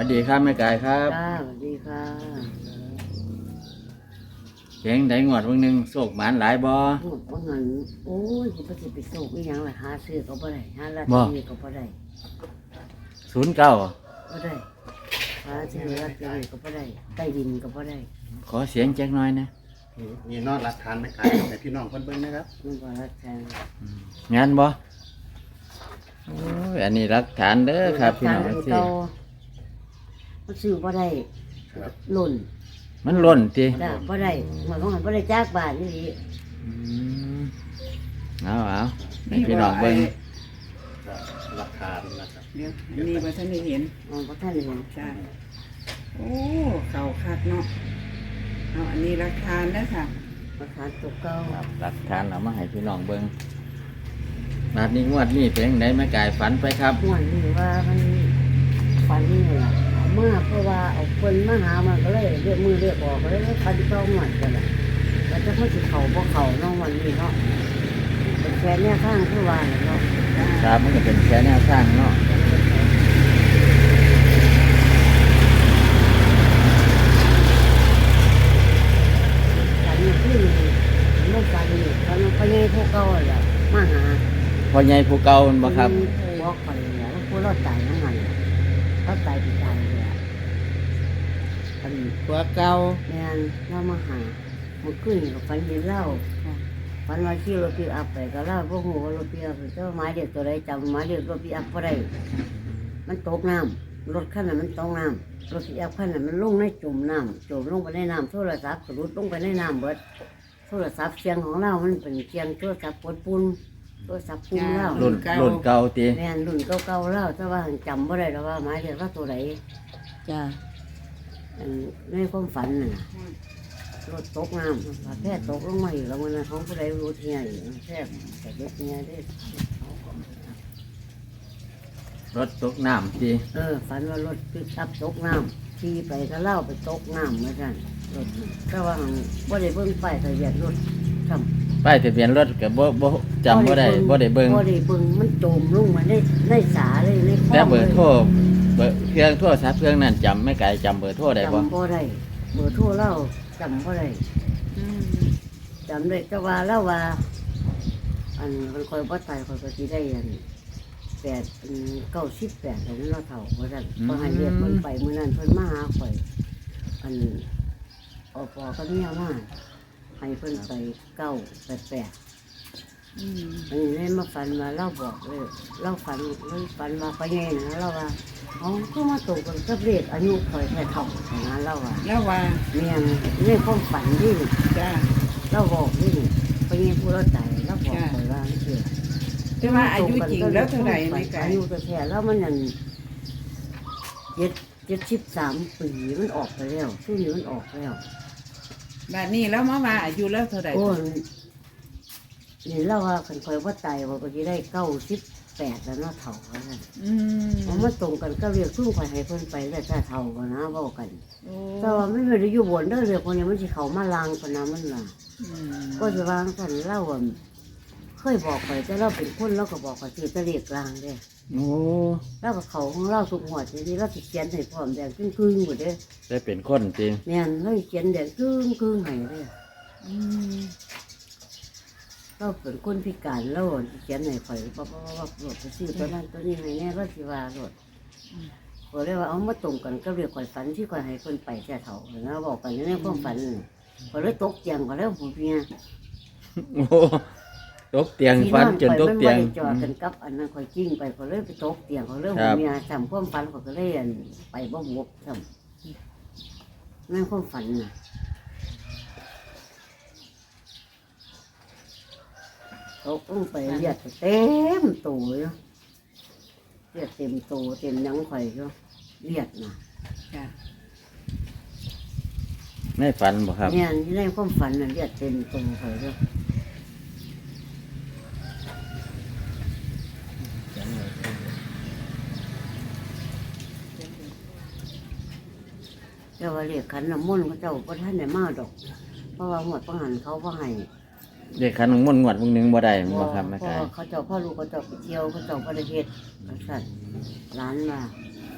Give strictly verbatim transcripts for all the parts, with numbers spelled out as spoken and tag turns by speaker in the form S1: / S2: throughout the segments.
S1: วัสดีครับแม่กายครับ
S2: จ้าสวัสดีค่ะ
S1: เจ๋งได้งวดวันหนึ่งโศกหมานหลายบ่
S2: โอ้ว่าเงินโอ้ยกูไปสิไปสูบอีหยังล่ะหาซื้อก็บ่ได้หาลอตเตอรี่ก็บ่ได้
S1: ศูนย์เก้า
S2: บ่ได้หาซื้อลอตเตอรี่ก็บ่ได้ใต้ดินก็บ่ได้
S1: ขอเสียงแจ็คน้อยนะ
S3: มีนอดรักทานไหมครับแต่พี่น้องเพิ่นเบิ่งนะครับ
S2: มันบ่รักแทน
S1: งานบ่โอ้ยอันนี้รักฐานเด้อครับพี่น้อง
S2: รัก
S1: สิ
S2: ฐานเก่ามันซื้อบ่ได้หล่น
S1: มันหล่นติ
S2: จ้าบ่ได้หมายความว่าบ่ได้จากบ้านนี่ดิ
S1: อืมเอาเอาให้พี่น้องเบิ่ง
S3: รักทานนะครับ
S4: เดี๋ยวอันนี้มาท่านได้เห็น
S2: อ๋อบ่ทันเห็น
S4: จ้าโอ้เก่าคักเนาะเอาอันนี้ราคานะค่ะ
S2: ราคาตกเก่า
S1: ครับรักฐานเอามาให้พี่น้องเบิ่งนาดนี้งวดนี้เป็นจังไดแม่กายฝันไปครับ
S2: ม่วนนี่ว่ามันฝันนี่ล่ะเอามาเพราะว่าเอาเพิ่นมาหามันก็เลยเรียกมือเรียกออกก็เลยฝันเก่าหมดกันล่ะแล้วจะพูดสิเข้าบ่เข้าเนาะวันนี้เนาะเป็นแค่แนวทางคือว่าเนาะ
S1: ครับมันก็เป็นแค่แนวสร้างเนาะ
S2: ฝันนี่คือมันฝันนี่ฝันว่าพ่อใหญ่ผู้เก่าแหละมาหา
S1: พ่อใหญ่ผู้เก่ามันบ่ครับ
S2: บอกไปเนี่ยแล้วผู้เราตายทั้งนั้นเขาตายไปตายเลยอะฝัน
S4: ตัวเก่า
S2: แม่นเรามาหาเมื่อคืนก็ฝันเห็นเหล้าฝันว่าขี่รถปิกอัพไปก็เล่าพวกหูว่ารถปิกอัพเจ้าหมายเด็กตัวใดจำหมายเด็กรถปิกอัพบ่ได้มันตกน้ำรถคันนั้นมันตกน้ำรถปิกอัพคันนั้นมันลงในจุ่มน้ำจุ่มลงไปในน้ำโทรศัพท์ก็รุดลงไปในน้ำเบิดโทรศัพท์เสียงของเรามันเป็นเสียงโทรศัพท์ปนปูนโทรศัพท์ปูนเรา
S1: รุ่นรุ่นเก่าติ
S2: แม่นรุ่นเก่าๆแล้วแต่ว่าจำบ่ได้แล้วว่าหมายเด็กว่าตัวใด
S4: จ้า
S2: อันในความฝันน่ะรถตกน้ำว่าแพทย์ตกลงมาอยู่แล้วมันของผู้ใดรู้ที่ไหนแพทย์แต่เด็กเนี่ยได้
S1: รถตกน้ำติ
S2: เออฝันว่ารถปิกอัพตกน้ำขี่ไปก็เล่าไปตกน้ำเหมือนกันรถแต่ว่าบ่ได้เบิ่งป้ายทะเบียนรถทำ
S1: ป้ายทะเบียนรถก็บ่บ่จำบ่ได้บ่ได้เบิ่ง
S2: บ่ได้เบิ่งมันจมลงมาในในสาเลยในคลอง
S1: แต่เบอร์โทรเบอร์เครื่องโทรศัพท์เครื่องนั้นจำไม่ไกลจำเบอร์โทรได้บ่
S2: จำบ่ได้เบอร์โทรเล่าจำบ่ได้
S4: อืม
S2: จำได้แต่ว่าเล่าว่า อันมันคอยบ่ตายคอยก็สิได้อันแปดอันเก้าสิบแปดอันนั้นเราเฒ่าว่าซั่นพอให้เรียกเพิ่นไปมื้อนั้นเพิ่นมาหาข่อยอันอปอก็เมียมาให้เพิ่นไปเก้าแปดแปด
S4: อืม
S2: อันนี้เลยมาฝันว่าเล่าบอกเลยเล่าฝันเลยฝันว่าไปไงนะเล่าว่าอ๋อก็มาตกกันกับเลขอายุข่อยแค่เท่าอย่างนั้นเล่าว่า
S4: แล้วว่า
S2: เมียงในความฝันที่
S4: จ้า
S2: เล่าบอกนี่ไปไงผู้เราใจเล่าบอกข่อยว่าเสีย
S4: แต่ว่าอายุจริงแล้วเท่าไหร่ในกาย
S2: อายุแท้ๆแล้วมันนั่นเจ็ดเจ็ดสิบสามปีมันออกไปแล้วช่วงนี้มันออกแล้ว
S4: แบบนี้แล้วมาว่าอายุแล้วเท่าไหร่
S2: โอ้ยนี่เล่าว่าคันคอยว่าตายว่าก็จะได้เก้าสิบแปดแล้วเนาะเท่ากัน
S4: อืม
S2: มันมาตรงกันก็เรียกทุ่งคอยให้เพิ่นไปแล้วถ้าเท่ากันนะเว้ากัน
S4: โอ้
S2: แต่ว่าไม่ได้อยู่บนเด้อเรือคนนี้มันสิเขามาลางปนนะมันน่ะ
S4: อืม
S2: ก็จะวางกันเล่าว่าเคยบอกไปแต่เราเป็นคนเราก็บอกว่าสิจะเรียกลางเด้
S1: โอ้
S2: แล้วก็เขาของเราทุกหัวทีนี้เราสิเขียนให้พร้อมแดงครึ่งๆหมดเด้
S1: ได้เป็นคนจริง
S2: แม่นเราสิเขียนแดงครึ่งครึ่งๆให้เด้
S4: อืม
S2: เราเป็นคนพิการเราสิเขียนให้ข่อยเพราะว่าว่าโหลดไปซื้อตัวนั้นตัวนี้ให้แน่เราสิว่าโหลดก็เลยว่าเอามาตรงกันก็เรียกข่อยฝันที่ข่อยให้เพิ่นไปแต่เฒ่าแล้วบอกกันในความฝันน่ะก็เลยตกเตียงก็แล้วผมเมีย
S1: โอ้ตกเตียงฟันจนตกเตียง
S2: ที่นอนไปมันบ่ได้จอดกันกับอันนั้นข่อยกิ้งไปข่อยเลยไปตกเตียงข่อยเลย
S1: ครับ
S2: เมียจำความฝันข่อยก็เลยอั่นไปบ่บกจำนั่นความฝันน่ะตกลงไปเลือดเต็มตัวอยู่เลือดเต็มตัวเต็มหยังข่อยอยู่เลือดน่ะ
S4: จ้า
S1: ในฝันบ่ครับ
S2: เนี่ยในความฝันน่ะเลือดเต็มตัวข่อยอยู่เจ้าว่าเรียกขันน้ำมนต์เขาเจ้าพระท่านได้มาดอก เพราะว่าหมดประหารเขาพ่อให้
S1: เด็กขันของมนต์งวดวงหนึงบ่ได้บ่ครับแม่
S2: เพราะ
S1: กาย
S2: ว่าเขาเจ้าพ่อลูกเขาเจ้าไปเที่ยวเขาเจ้าประเทศบริษัทร้านมา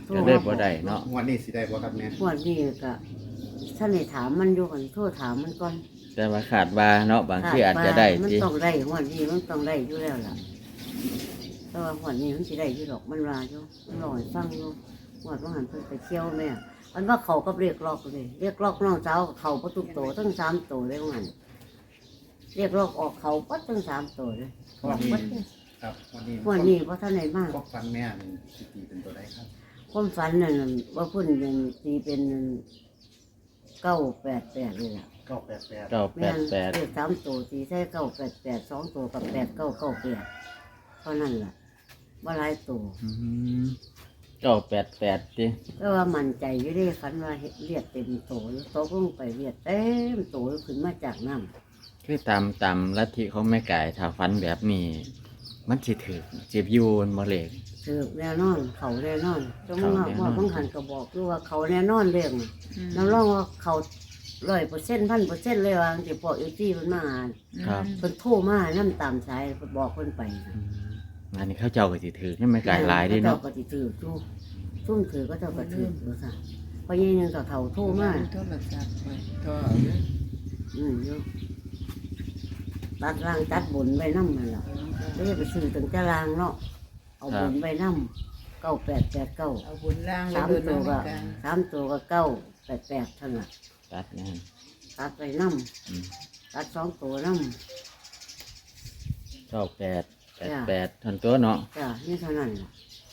S2: โทร
S1: ก็เลยบ่ได้เนาะ
S3: งวดนี้สิได้บ่ครับแม่
S2: งวดนี้ก็ท่านได้ถามมันอยู่กันโทรถามมันก่อน
S1: แต่ว่าขาดว่าเนาะบางทีอาจจะได้
S2: มัน
S1: สิ
S2: ต้องได้งวดนี้มันต้องได้อยู่แล้วล่ะแต่ว่างวดนี้มันสิได้อยู่ดอกมันว่าอยู่มันรอให้ฟังอยู่งวดว่าหันเพิ่นไปเที่ยวแม่มันว่าเขาก็เรียกล็อกเลยเรียกล็อกน้องสาวเขาประตูโตทั้งสามโตเลยว่างั้นเรียกล็อกออกเขาปัดทั้งสามโตเลยออกปัดเลย
S3: ครับวันนี้
S2: งวดนี้เพราะท่านไหนมาก
S3: พวกฟันแม่นี่สิตีเป็นตัวใดครับ
S2: ความฝันนั่นว่าพุ่นยังตีเป็นเก้าแปดแปดเลยล่ะ
S3: เก้าแปดแปด
S1: เก้าแป
S2: แม่
S1: ด
S2: น
S1: แปด
S2: เลขสามตัวตีใช่เก้าแปดแปดสองตัวกับแปดเก้าเก้าแปดเท่านั้นล่ะว่าหลายตัว
S1: อืมเก้าแปดแปดดิ
S2: ก็ว่ามั่นใจอยู่ได้ฝันว่าเฮ็ดเลียดเต็มโตอยู่โตลงไปเลียดเต็มโตขึ้นมาจากน้ำ
S1: คือตามตามลัทธิของแม่ไก่ถ้าฟันแบบนี้ มันสิถือจีบยูนบ่เหล็ก
S2: ถือแน่นอน เขาแน่นอนจง
S1: เขา
S2: ว่า
S1: แน่นอน
S2: ว่าบางหันก็บอกอยู่ว่าเขาแน่นอนเรื่องน่ะน้ำร้องว่าเขาร้อยเปอร์เซ็นต์พันเปอร์เซ็นต์เลยว่าจะพอเอจี้มันมาอ่าน
S1: ครับ
S2: เพิ่นโทรมาน้ำตามสายเพิ่นบอกเพิ่นไปนะ
S1: อืมอันนี้เขาเจ้าก็สิถือให้แม่ไก่หลายเดิเนาะ
S2: เจ้าก็สิถือจูซุ่มถือก็เจ้าก็ถือดูซะเพราะยี่นึงก็เฒ่าโทรมา
S4: โทรศัพท์ไว้โทรเอาเลย
S2: อืมอยู่ตัดล่างตัดบนไว้นำนั่นล่ะไม่ได้ไปซื้อถึงจะล่างเนาะเอาบนไว้นำเก้าแปดแปดเก้า
S4: เอาบุญล่าง
S2: สาม
S4: เลย
S2: ตัว
S4: เนาะ
S2: ก็
S4: แม่กาย
S2: สามตัวก็เก้าแปดแปดเท่านั้นล่ะ
S1: ตัดนะฮะ
S2: ตัดไว้นำ
S1: อืม
S2: ตัดสองตัวนำ
S1: เก้าแปดแปดแปดทันตัวเนาะ
S2: จ้ะนี่เท่านั้นล่ะ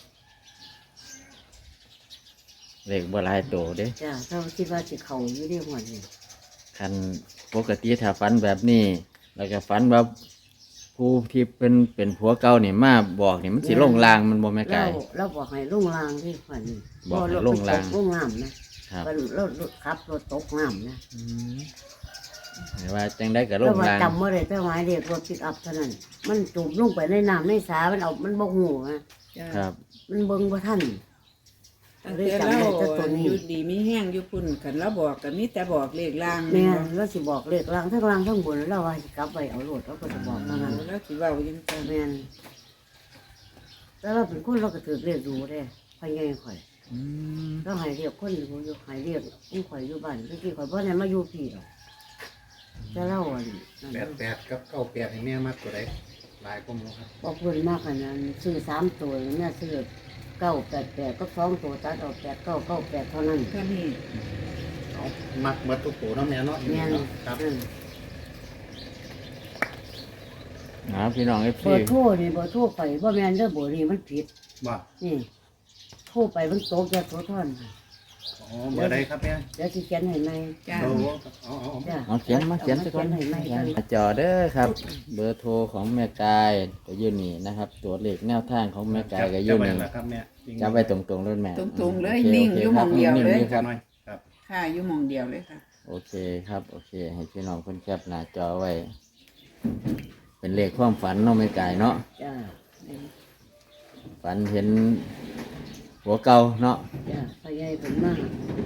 S1: เหล็กบ่หลายโตเด้
S2: จ้ะเจ้าคิดว่าสิเข้าอยู่ได้หมดนี่
S1: คันปกติถ้าฟันแบบนี้ แล้วก็ฟันว่าผู้ที่เป็นเป็นผัวเก่านี่มาบอกนี่มันสิลงลางมันบ่แม่ไก่
S2: เราเราบอกให้ลงรางที่ฝันนี่
S1: บอกให้
S2: รถ
S1: ลงราง
S2: ตกลงน้ำนะครับ รถรถรถขับรถตกน้ำนะ
S1: อืมหมายว่าจังได้กับล
S2: เรา
S1: ง
S2: ว่า
S1: ลาง
S2: จำว่าได้แต่หมายเรียกรถปิกอัพเท่านั้น มันจุ่มลงไปในน้ำในสามันเอามันบกหูนะ
S4: จ้ะ
S1: ครับ
S2: มันเบิ่งว่าท่าน
S4: ตั้ง
S2: เลย
S4: แต่
S2: จำ
S4: เรา
S2: ได้แต่ตัวนี้
S4: อยู่ดีมีแห้งอยู่พุ่นกันเราบอกกันมีแต่บอกเลขล่าง
S2: แม่
S4: เนาะ
S2: เราสิบอกเลขรางทั้งรางทั้งบนแล้วว่าสิกลับไปเอารถเราก็จะบอกเท่านั้น
S4: แล้วสิเว้าจังซั่น
S2: แม่นแต่เราเป็นคนเราก็ถือเรียกดูได้พยายข่อย
S1: อืม
S2: เราใหายเรียกคนอยู่อยู่ใหายเรียกอุ้งข่อยอยู่บ้านเมื่อกี้ข่อยบ่ได้มาอยู่พี่หรอกแต่เราอ่ะนั่น
S3: แปดแปดกับเก้าแปดให้แม่มากตัวใดหลายกว่าหมูครับ
S2: บอกเพิ่นมากขนาดนั้นซื้อสามตัวเนี่ยซื้อเก้าแปดแปดก็สองตัวตัดออกแปดเก้าเก้าแปดเท่านั้น
S4: เท่านี้
S3: เอามักเบิดทุกตัวเนาะแม่เนาะ
S2: แม่น
S3: เนาะครับ
S2: อืม
S1: นะพี่น้องเอฟ
S2: เบ
S1: ซี
S2: อร์โทรนี่เบอร์โทรไปว่าแม่นเด้อเบอร์นี่มันผิด
S3: ว่า
S2: นี่โทรไปมันโตแก่โทรท่อน
S3: อ๋อเบอร์ใดครับแม่
S2: เดี๋ยวสิเขียนให้ไหม
S4: จ้า
S3: โอ้เอาเอาเอา
S2: จ้ะ
S1: เอาเขียนมาเขียนสักคน
S2: เขียนให้ไหม
S1: จอเด้อครับ เบอร์โทรของแม่กายก็อยู่นี่นะครับ ตัวเลขแนวทางของแม่กายก็อยู่
S3: จำไว้
S1: นี่
S3: แล้วครับแม่จริงๆ
S1: จับไว้ตรงๆเลยแม่
S4: ตรงๆเลย
S1: โอค
S4: นิ่ง
S1: โค
S4: อยู่
S1: ค
S4: หม้
S1: รั
S4: องเดียว
S1: นิ่
S4: เลย
S1: ๆครับ
S3: หน่อยครับ
S4: ค่ะอยู่หมองเดียวเลยค่ะ
S1: โอเคครับ โอเค ให้พี่น้องเพิ่นแคปหน้าจอไว้ เป็นเลขความฝันเนาะแม่กายเนาะ
S2: จ้า
S1: ฝันเห็นหัวเก่าเนาะ
S2: จ้าพยายผมมาก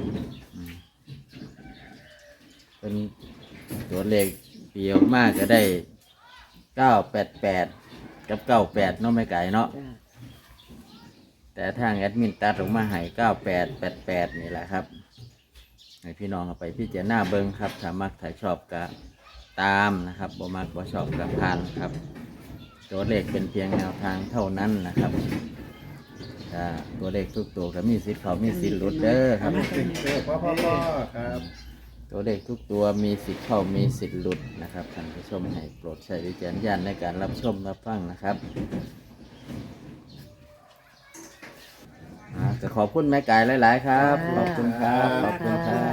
S1: เป็นตัวเลขปีออกมาก็ได้เก้าแปดแปดกับเก้าแปดเนาะไม่ไก่เนาะ
S2: จ้า
S1: แต่ทางแอดมินตัดออกมาให้เก้าแปดแปดแปดนี่แหละครับ ให้พี่น้องเอาไปพี่เจ้าหน้าเบิ้งครับถ้ามักถ่ายชอบก็ตามนะครับบ่มักบ่ชอบก็ผ่านครับ ตัวเลขเป็นเพียงแนวทางเท่านั้นนะครับถ้าตัวเลขทุกตัวก็มีสิทธิ์เขามีสิทธิ์หลุดเด้อครับ
S3: ติดเสื้อพ่อพ่อพ่อครับ
S1: ตัวเลขทุกตัวมีสิทธิ์เข้ามีสิทธิ์หลุดนะครับท่านผู้ชมให้โปรดใช้วิจารณญาณในการรับชมรับฟังนะครับอ่าจะขอบคุณแม่กายหลาย ๆ ครับ ขอบคุณครับ ขอบคุณครับ